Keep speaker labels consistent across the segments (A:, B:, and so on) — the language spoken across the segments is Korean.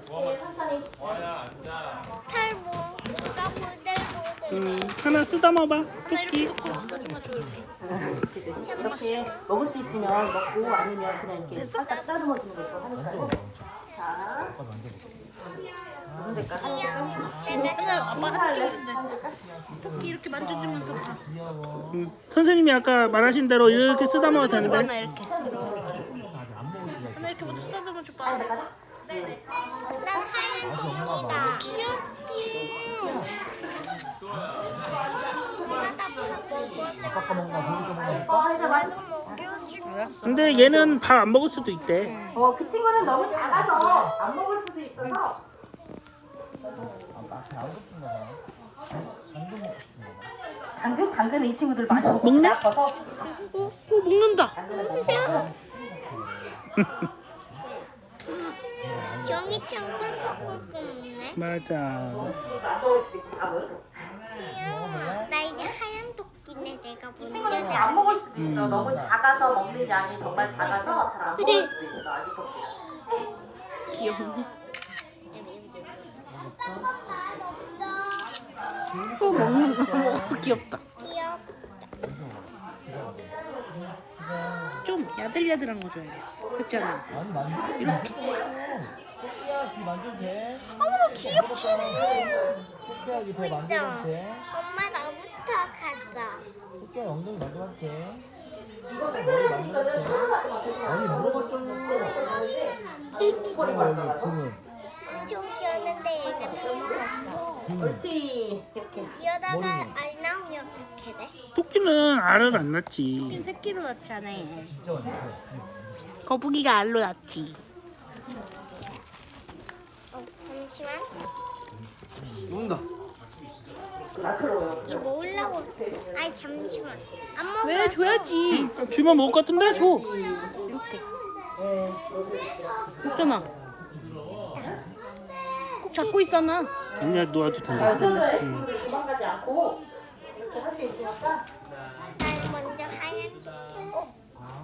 A: 천천히.
B: 탈모. 누가 보들보들.
C: 하나 쓰다마봐. 토끼.
A: 그지? 이렇게 먹을 수 있으면 먹고 아니면 그냥 이렇게 살짝 쓰다듬어 주는 것도 하는 거고. 자, 무슨 색깔? 하얀 색깔?
D: 맨날 아빠가 찍어준대. 토끼 이렇게 만져주면서 봐.
C: 선생님이 아까 말하신 대로 이렇게 쓰다마도
D: 쓰다듬어 봐,
C: 되는데.
D: 하나 이렇게. 하나 이렇게 먼저 쓰다듬어 줘봐.
B: 난 하얀 토끼다.
D: 귀엽지?
B: 하다 먹어줘.
E: 아까 먹나 고기도 먹나
A: 해서 만
B: 먹여줘.
D: 알았어.
C: 근데 얘는 밥 안 먹을 수도 있대.
A: 그 친구는 너무 작아서 안 먹을 수도 있어서.
E: 앞에 안 붙은가 봐. 당근 먹고 싶은가 봐.
A: 당근은 이 친구들 많이
C: 먹네?
A: 아파서
D: 먹는다.
A: 당근은 못 먹어.
B: 종이처럼 꿀꺽꿀꺽 먹네.
C: 맞아.
A: 안 먹을 수도 있고 다 먹어.
B: 귀여워. 나 이제 하얀 토끼네. 내가
A: 이 친구는
B: 먼저
A: 잘 안
B: 잡.
A: 먹을 수도 있어. 너무 작아서 먹는 양이 정말 작아서 잘 안 먹을 수도 있어. 아기 토끼.
D: 귀엽네. 먹어서 귀엽다.
B: 귀엽.
D: 좀 야들야들한 거 줘야겠어. 그렇지 않아?
E: 아니 만져도 이렇게. 토끼야 귀 만져도 돼?
D: 어머나 귀엽지?
E: 토끼야 귀배 만져도 돼?
B: 엄마 나부터 갔어.
E: 토끼야 엉덩이 만져봐도 돼? 토끼야 머리 만져도 돼? 아니 물어봤잖아. 그러면
B: 좀 귀였는데 얘가 다 먹었어.
A: 그렇지. 이렇게.
B: 이러다가
E: 머리는?
B: 알 나오면 어떻게 돼?
C: 토끼는 알을 안 낳지.
D: 새끼로 낳지 않아 얘.
E: 진짜 완전.
D: 거북이가 알로 낳지.
B: 잠시만.
E: 온다.
A: 마크로요.
B: 이거 먹으려고. 아니 잠시만. 안 먹어.
D: 왜 줘야지?
C: 주면 먹을 것 같은데? 줘.
D: 이렇게. 있잖아. 꼭 잡고 있잖아.
C: 아니야, 놓아도 된다.
A: 친구들 도망가지 않고 이렇게 할 수 있으니까.
B: 난 먼저 하얀. 어?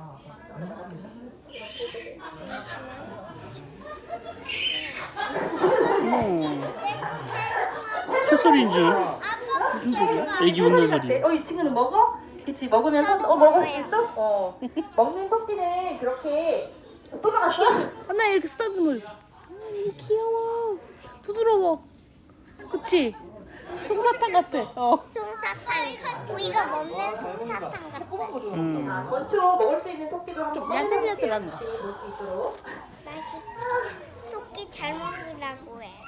C: 새소리인 줄. 무슨 소리야? 애기 웃는 소리.
A: 이 친구는 먹어? 그치, 먹으면서
B: 저도
A: 먹을 수
B: 먹어요.
A: 있어? 먹는 토끼는 그렇게 또 나갔어?
D: 하나 이렇게 쓰다듬어. 귀여워. 부드러워. 그치? 솜사탕 같아.
B: 솜사탕. 우리가 먹는 솜사탕 같아.
A: 건초 먹을 수 있는 토끼도 한번
D: 야들야들한 거.
A: 볼수 있도록.
B: 맛있어. 토끼 잘 먹으라고 해.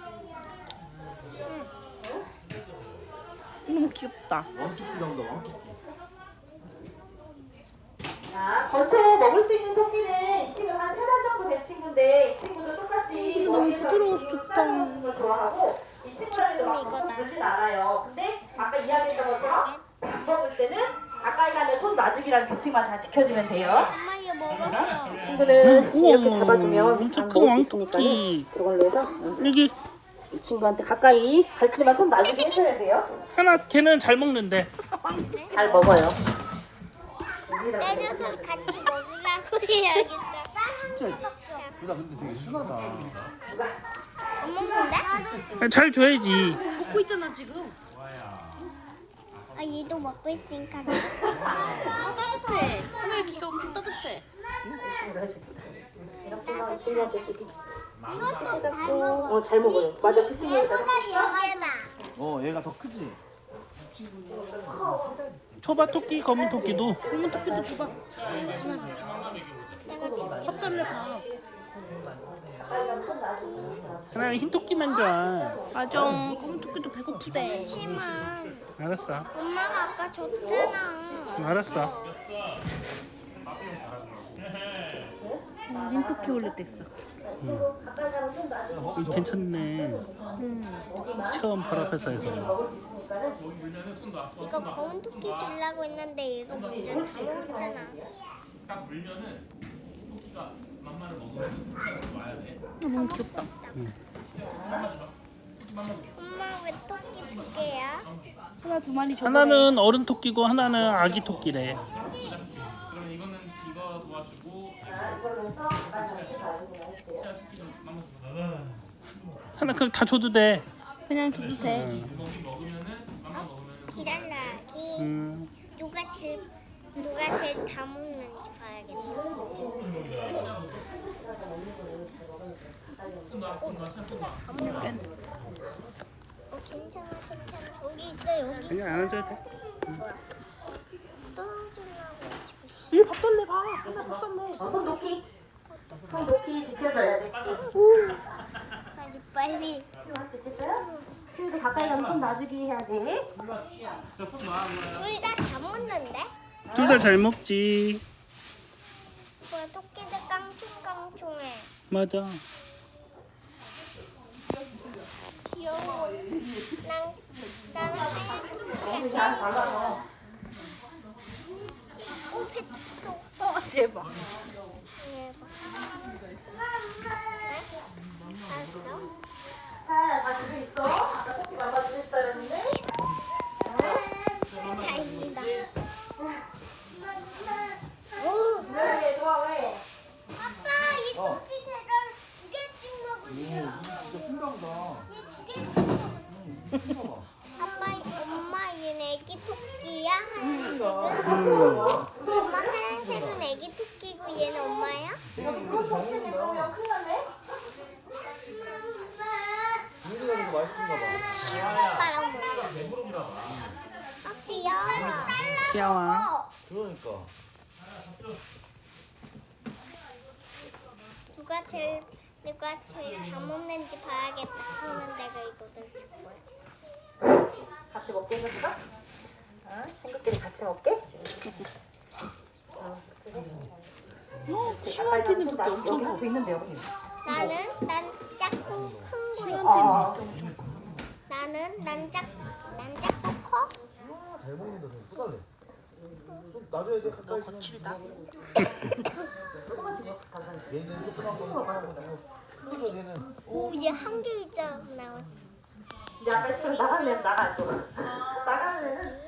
D: 너무 귀엽다.
E: 왕토끼 나온다 왕토끼.
A: 자, 건초 먹을 수 있는 토끼는 이 친구 한 3달 정도 된 친구인데 이 친구도 똑같이
D: 너무
A: 먹이에서
D: 부드러워서 좋다.
A: 쓰다듬는 걸 좋아하고 이 친구랑도 막
B: 이거다.
A: 그러진 않아요. 근데 아까 이야기했던 것처럼 밥 먹을 때는 가까이 가면 손 놔주기라는 규칙만 잘 지켜주면 돼요.
B: 엄마 이거 먹었어.
A: 이 친구는 이렇게 잡아주면
C: 엄청
A: 안
C: 큰
A: 먹을 수
C: 왕토끼.
A: 있으니까는 저걸로 해서
C: 여기
A: 이 친구한테 가까이 갈 때만 손 놔주게 해줘야 돼요.
C: 하나 걔는 잘 먹는데.
A: 잘 먹어요.
B: 빼줘서 같이 먹으라고 해야겠다.
E: 진짜 나 근데 되게 순하다.
B: 안 먹는데?
C: 잘 줘야지.
D: 먹고 있잖아 지금.
B: 아 얘도 먹고 있으니까.
D: 따뜻해. 하나의 귀가 엄청 따뜻해.
A: 이렇게 해서 이 친구한테 주기.
B: 이것도 잘 먹어.
A: 잘 먹어요. 맞아, 그 친구가
B: 얘보다 여기다.
E: 얘가 더 크지?
C: 초밥 토끼, 검은 토끼도.
D: 검은 토끼도 줘봐. 잠시만. 섭달래 봐.
C: 하나는 흰 토끼만 줘.
D: 맞아. 검은 토끼도 배고프대.
B: 잠시만.
C: 알았어.
B: 엄마가 아까 줬잖아.
C: 알았어.
D: 흰 토끼 올릴 때 있어.
C: 괜찮네. 처음 바로 앞에서 해서.
B: 이거 검은 토끼 주려고 했는데 얘가 먼저 다 먹었잖아.
D: 너무 귀엽다.
B: 엄마 왜 토끼 두 개야?
D: 하나 두 마리 줘.
C: 하나는 어른 토끼고 하나는 아기 토끼래.
F: 그럼 이거는 이거 도와주고
A: 이걸로 해서 가까이 가서 놔주기만 할게요.
F: 치아 토끼 좀 만나서
C: 하나 그럼 다 줘도 돼.
D: 그냥 줘도 돼.
B: 기달라기.
C: 음.
B: 누가 제일 다 먹는지 봐야겠다.
D: 약간
B: 괜찮아. 여기 있어 여기.
C: 그냥 안 앉아도 돼.
B: 떨어지려고 지금.
D: 얘 밥달래 봐. 하나 밥달래.
A: 손 높이. 손 높이 지켜줘야 돼.
B: 아주 빨리.
A: 됐어요? 친구들 가까이 가면 손 놔주기 해야 돼.
F: 저손 놔.
B: 둘 다 잘 먹는데?
C: 둘 다 잘 먹지.
B: 뭐야 토끼들 깡총깡총해.
C: 맞아.
B: 귀여워. 나는 하얀
A: 잘 발라서.
B: 오 페트도.
D: 제발.
B: 알았어?
A: 자, 다 집에 있어. 아까 커피 말아주겠다 했는데.
B: 다행이다.
A: 왜 좋아 왜?
B: 아빠 이 토끼 제가 2개씩 먹을게요.
E: 진짜 큰가 보다.
B: 얘 2개씩 먹을게요. 아빠 엄마 얘는 애기 토끼야? 하얀색은? 엄마 하얀색은 애기 토끼고 얘는 엄마야?
A: 그것도 없는데 그러면 큰일 났네.
E: 민기가 이거 맛있는가 봐.
B: 아빠랑 먹어.
F: 배부릅니다.
B: 아 귀여워.
C: 귀여워.
E: 그러니까.
B: 누가 제일 다 먹는지 봐야겠다. 그러면 내가 이거를 줄 거야.
A: 같이 먹게 해줬어? 친구끼리 같이 먹게?
D: 시간티는 토끼 엄청
A: 여기 앞에 있는데 여기.
B: 난 작고 큰 거 있어.
A: 아,
B: 난 작고 커.
E: 잘 먹는다. 좀 뿌달래. 좀 놔줘야 돼. 가까이 있으면.
D: 거칠다.
E: 얘는 조그만 거 조그만 거. 큰거 줘 얘는.
B: 오, 얘 한 개 있잖아 나왔어.
A: 이제 아까 좀 나가면 나가 또. 나가면은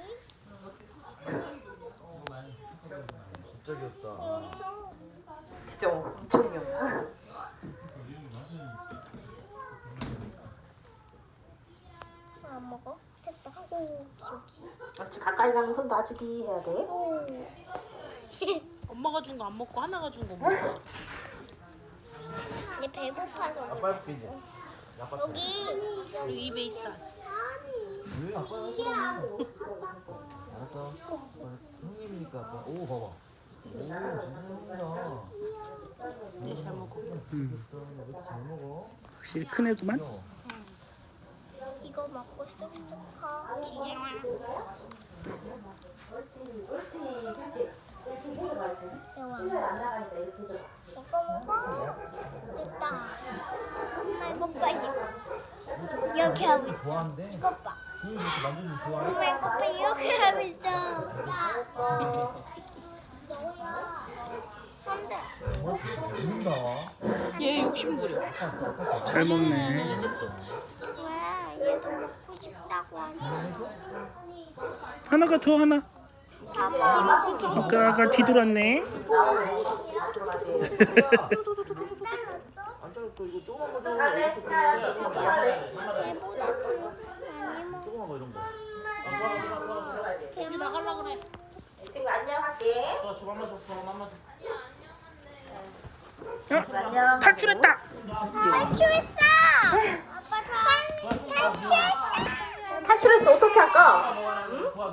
E: 진짜 귀엽다.
B: 여기서
A: 그죠? 이쪽이면.
B: 안 먹어? 됐다. 오, 여기.
A: 그렇지 가까이 가면 손 놔주기 해야 돼.
B: 오.
D: 엄마가 준 거 안 먹고 하나가 준 거 먹어.
B: 얘 배고파서.
E: 아빠 해볼게 이제. 아빠 차례.
B: 여기.
D: 여기 입에 있어.
E: 왜 아빠 해줘? 알았어. 형님이니까 아빠. 오 봐봐. 오 진짜 형이다.
D: 얘잘 먹어.
E: 왜 이렇게 잘 먹어?
C: 확실히 큰 애구만.
E: 귀여워.
B: 이거 먹고 쑥쑥 커. 귀여워. 귀여워. 이거 먹어. 됐다. 엄마 이거 봐 이거. 이렇게 하고 있어.
E: 좋아한대.
B: 이거 봐.
E: 형님 이렇게 만져주면 좋아해?
B: 엄마 이거 봐 이렇게 하고 있어. 야. 너야. 안돼.
E: 죽는다.
D: 얘 욕심 부려.
C: 잘 먹네.
B: 왜? 얘도 먹고 싶다고 하잖아.
C: 하나가 줘 하나. 아까 뒤돌았네.
E: 안 자를 거 이거 조그만 거 줘. 이렇게 줘.
B: 쟤보다 지금 많이 먹어.
E: 조그만 거 이런 거.
D: 여기 나갈라 그래.
A: 친구 안녕할게.
F: 저 주방만 줘. 주방만 줘.
A: 안녕.
C: 탈출했다.
B: 탈출했어! 아빠 탈출했어!
A: 탈출했어 어떻게 할까?